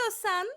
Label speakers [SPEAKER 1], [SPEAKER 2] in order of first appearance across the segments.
[SPEAKER 1] istiyorsan.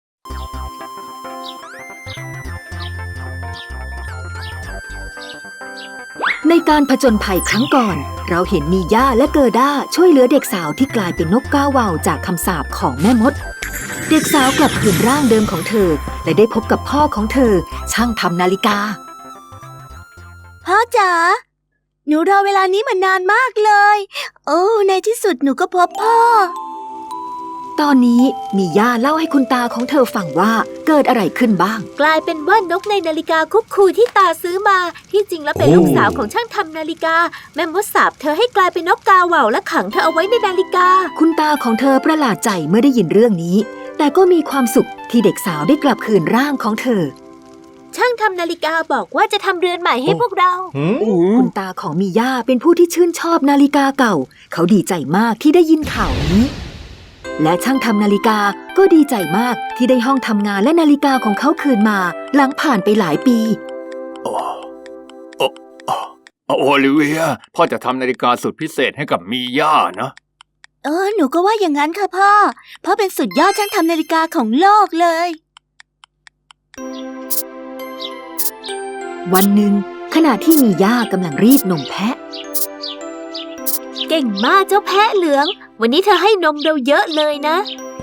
[SPEAKER 2] ในการผจญภัยครั้งก่อนเราเห็นมีย่าและเกอร์ด้าช่วยเหลือเด็กสาวที่กลายเป็นนกกาเหว่าจากคำสาปของแม่มดเด็กสาวกลับคืนร่างเดิมของเธอและได้พบกับพ่อของเธอช่างทำนาฬิกา
[SPEAKER 3] พ่อจ๋าหนูรอเวลานี้มานานมากเลยโอ้ในที่สุดหนูก็พบพ่อ
[SPEAKER 2] ตอนนี้มีย่าเล่าให้คุณตาของเธอฟังว่าเกิดอะไรขึ้นบ้าง
[SPEAKER 3] กลายเป็นว่านกในนาฬิกาคุกคูที่ตาซื้อมาที่จริงแล้วเป็นลูกสาวของช่างทำนาฬิกาแม่มดสาปเธอให้กลายเป็นนกกาเหว่าและขังเธอเอาไว้ในนาฬิกา
[SPEAKER 2] คุณตาของเธอประหลาดใจเมื่อได้ยินเรื่องนี้แต่ก็มีความสุขที่เด็กสาวได้กลับคืนร่างของเธอ
[SPEAKER 3] ช่างทำนาฬิกาบอกว่าจะทำเรือนใหม่ให้พวกเรา
[SPEAKER 2] คุณตาของมีย่าเป็นผู้ที่ชื่นชอบนาฬิกาเก่าเขาดีใจมากที่ได้ยินข่าวนี้และช่างทำนาฬิกาก็ดีใจมากที่ได้ห้องทำงานและนาฬิกาของเขาคืนมาหลังผ่านไปหลายปี
[SPEAKER 4] โอลิเวียพ่อจะทำนาฬิกาสุดพิเศษให้กับมีย่านะ
[SPEAKER 3] หนูก็ว่าอย่างนั้นค่ะพ่อเป็นสุดยอดช่างทำนาฬิกาของโลกเลย
[SPEAKER 2] วันหนึ่งขณะที่มีย่ากำลังรีดนมแพะ
[SPEAKER 3] เก่งมากเจ้าแพะเหลืองวันนี้เธอให้นมเราเยอะเลยนะ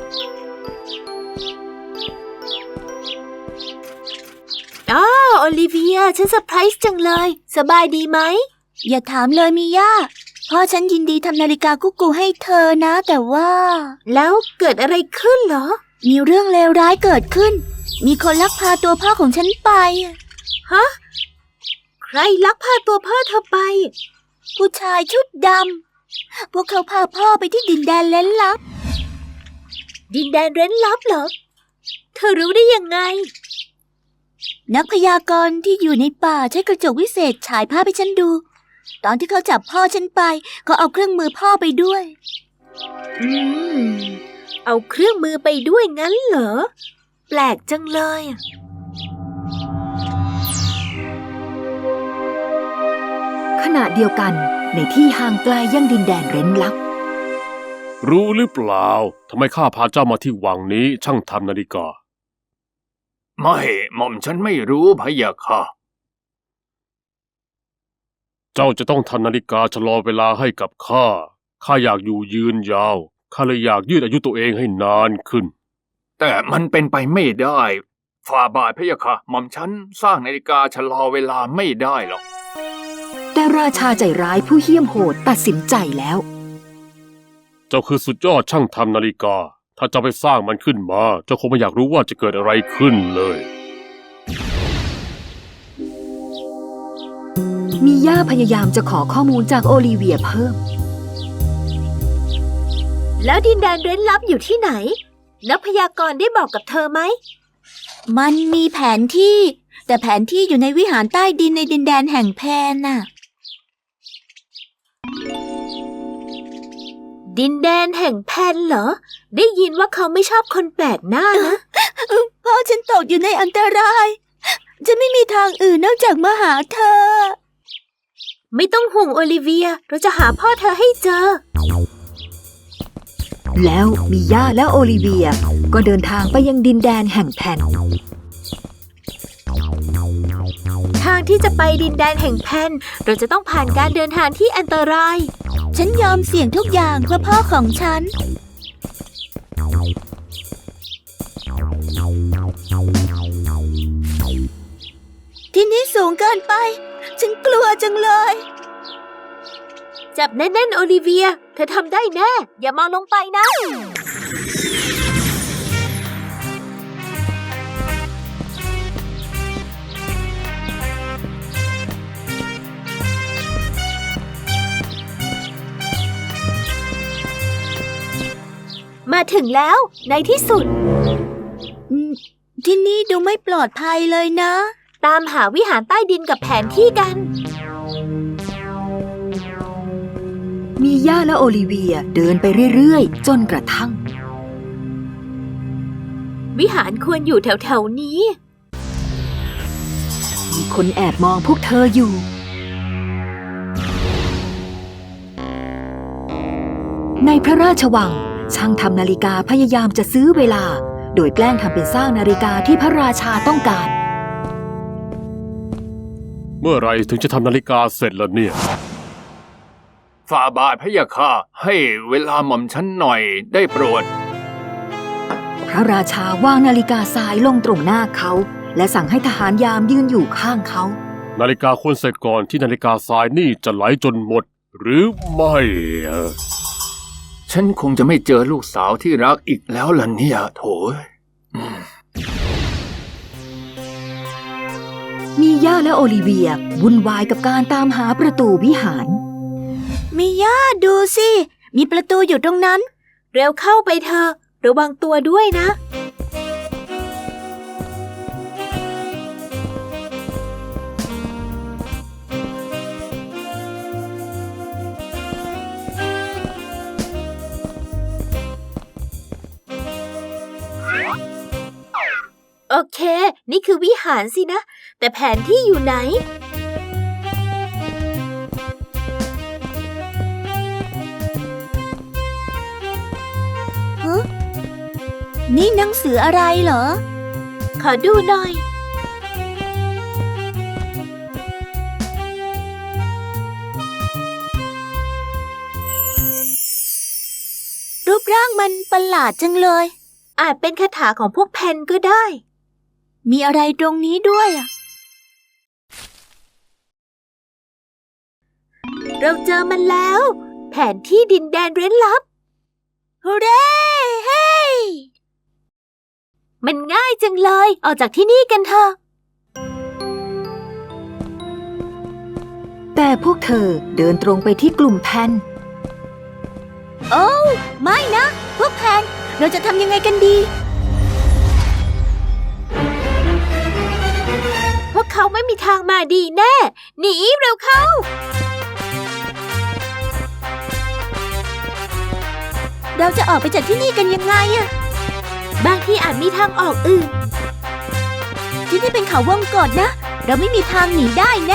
[SPEAKER 3] โอลิเวียฉันเซอร์ไพรส์จังเลยสบายดีไหมอย่าถามเลยมีย่าพ่อฉันยินดีทำนาฬิกากุ๊กกูให้เธอนะแต่ว่าแล้วเกิดอะไรขึ้นเหรอมีเรื่องเลวร้ายเกิดขึ้นมีคนลักพาตัวพ่อของฉันไปฮะใครลักพาตัวพ่อเธอไปผู้ชายชุดดำพวกเขาพาพ่อไปที่ดินแดนเร้นลับดินแดนเร้นลับเหรอเธอรู้ได้ยังไงนักพยากรณ์ที่อยู่ในป่าใช้กระจกวิเศษฉายภาพให้ฉันดูตอนที่เขาจับพ่อฉันไปเขาเอาเครื่องมือพ่อไปด้วยเอาเครื่องมือไปด้วยงั้นเหรอแปลกจังเลย
[SPEAKER 2] ขณะเดียวกันในที่ห่างไกลยังดินแดนเร้นลับ
[SPEAKER 5] รู้หรือเปล่าทำไมข้าพาเจ้ามาที่วังนี้ช่างทำนาฬิกา
[SPEAKER 4] ไม่หม่อมฉันไม่รู้พะยะค่ะ
[SPEAKER 5] เจ้าจะต้องทำนาฬิกาชะลอเวลาให้กับข้าอยากอยู่ยืนยาวข้าเลยอยากยืดอายุตัวเองให้นานขึ้น
[SPEAKER 4] แต่มันเป็นไปไม่ได้ฝ่าบาทพะยะค่ะหม่อมฉันสร้างนาฬิกาชะลอเวลาไม่ได้หรอก
[SPEAKER 2] แต่ราชาใจร้ายผู้เหี้ยมโหดตัดสินใจแล้ว
[SPEAKER 5] เจ้าคือสุดยอดช่างทำนาฬิกาถ้าเจ้าไปสร้างมันขึ้นมาเจ้าคงไม่อยากรู้ว่าจะเกิดอะไรขึ้นเลย
[SPEAKER 2] มีย่าพยายามจะขอข้อมูลจากโอลิเวียเพิ่ม
[SPEAKER 3] แล้วดินแดนเร้นลับอยู่ที่ไหนนักพยากรณ์ได้บอกกับเธอไหมมันมีแผนที่แต่แผนที่อยู่ในวิหารใต้ดินในดินแดนแห่งแพนน่ะดินแดนแห่งแพนเหรอได้ยินว่าเขาไม่ชอบคนแปลกหน้านะพ่อฉันตกอยู่ในอันตรายจะไม่มีทางอื่นนอกจากมาหาเธอไม่ต้องห่วงโอลิเวียเราจะหาพ่อเธอให้เจอ
[SPEAKER 2] แล้วมีย่าและโอลิเวียก็เดินทางไปยังดินแดนแห่งแพน
[SPEAKER 3] ทางที่จะไปดินแดนแห่งแพนเราจะต้องผ่านการเดินทางที่อันตรายฉันยอมเสี่ยงทุกอย่างเพื่อพ่อของฉันที่นี่สูงเกินไปฉันกลัวจังเลยจับแน่นๆโอลิเวียเธอทำได้แน่อย่ามองลงไปนะมาถึงแล้วในที่สุดที่นี่ดูไม่ปลอดภัยเลยนะตามหาวิหารใต้ดินกับแผนที่กัน
[SPEAKER 2] มีย่าและโอลิเวียเดินไปเรื่อยๆจนกระทั่ง
[SPEAKER 3] วิหารควรอยู่แถวๆนี้
[SPEAKER 2] มีคนแอบมองพวกเธออยู่ในพระราชวังช่างทำนาฬิกาพยายามจะซื้อเวลาโดยแกล้งทำเป็นสร้างนาฬิกาที่พระราชาต้องการ
[SPEAKER 5] เมื่อไหรถึงจะทำนาฬิกาเสร็จล่ะเนี่ย
[SPEAKER 4] ฝ่าบาทพะยะค่ะให้เวลาหม่อมฉันหน่อยได้โปรด
[SPEAKER 2] พระราชาวางนาฬิกาทรายลงตรงหน้าเขา และสั่งให้ทหารยามยืนอยู่ข้างเขา
[SPEAKER 5] นาฬิกาควรเสร็จก่อนที่นาฬิกาทรายนี่จะไหลจนหมด หรือไม่
[SPEAKER 4] ฉันคงจะไม่เจอลูกสาวที่รักอีกแล้วล่ะเนี่ยโถย
[SPEAKER 2] มีย่าและโอลิเวียวุ่นวายกับการตามหาประตูวิหาร
[SPEAKER 3] มีย่าดูสิ มีประตูอยู่ตรงนั้น เร็วเข้าไปเถอะระวังตัวด้วยนะ โอเค นี่คือวิหารสินะ แต่แผนที่อยู่ไหน นี่หนังสืออะไรเหรอ ขอดูหน่อย รูปร่างมันประหลาดจังเลย อาจเป็นคาถาของพวกเพนก็ได้ มีอะไรตรงนี้ด้วยอ่ะ เราเจอมันแล้ว แผนที่ดินแดนเร้นลับฮูเร่เฮ้มันง่ายจังเลย ออกจากที่นี่กันเถอะ
[SPEAKER 2] แต่พวกเธอเดินตรงไปที่กลุ่มแพน
[SPEAKER 3] โอ้ไม่นะ พวกแพน เราจะทำยังไงกันดี พวกเขาไม่มีทางมาดีแน่ หนีเร็วเข้า เราจะออกไปจากที่นี่กันยังไงอะบางที่อาจมีทางออกอื่น ที่นี่เป็นเขาวงกตนะ เราไม่มีทางหนีได้แน่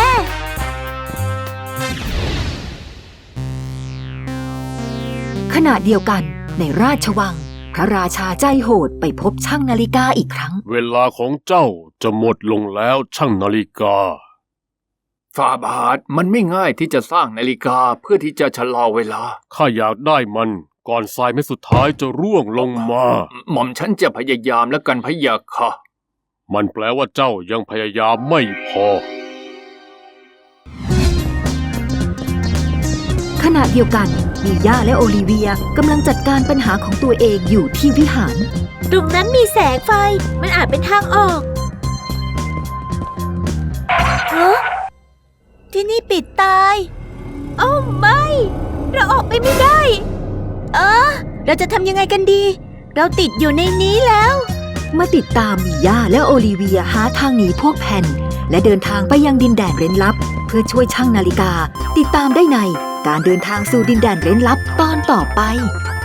[SPEAKER 2] ขณะเดียวกันในราชวัง พระราชาใจโหดไปพบช่างนาฬิกาอีกครั้ง
[SPEAKER 5] เวลาของเจ้าจะหมดลงแล้วช่างนาฬิกา
[SPEAKER 4] ฝ่าบาทมันไม่ง่ายที่จะสร้างนาฬิกาเพื่อที่จะชะลอเวลา
[SPEAKER 5] ข้าอยากได้มันก่อนทรายเม็ดสุดท้ายจะร่วงลงมา
[SPEAKER 4] หม่อมฉันจะพยายามแล้วกันพะยะค่ะ
[SPEAKER 5] มันแปลว่าเจ้ายังพยายามไม่พอ
[SPEAKER 2] ขณะเดียวกันมีย่าและโอลิเวียกำลังจัดการปัญหาของตัวเองอยู่ที่วิหาร
[SPEAKER 3] ตรงนั้นมีแสงไฟ มันอาจเป็นทางออกฮะที่นี่ปิดตายโอ้ไม่ เราออกไปไม่ได้เราจะทำยังไงกันดี เราติดอยู่ในนี้แล้ว
[SPEAKER 2] มาติดตามมีย่าและโอลิเวียหาทางหนีพวกแพนและเดินทางไปยังดินแดนเร้นลับ เพื่อช่วยช่างนาฬิกา ติดตามได้ในการเดินทางสู่ดินแดนเร้นลับตอนต่อไป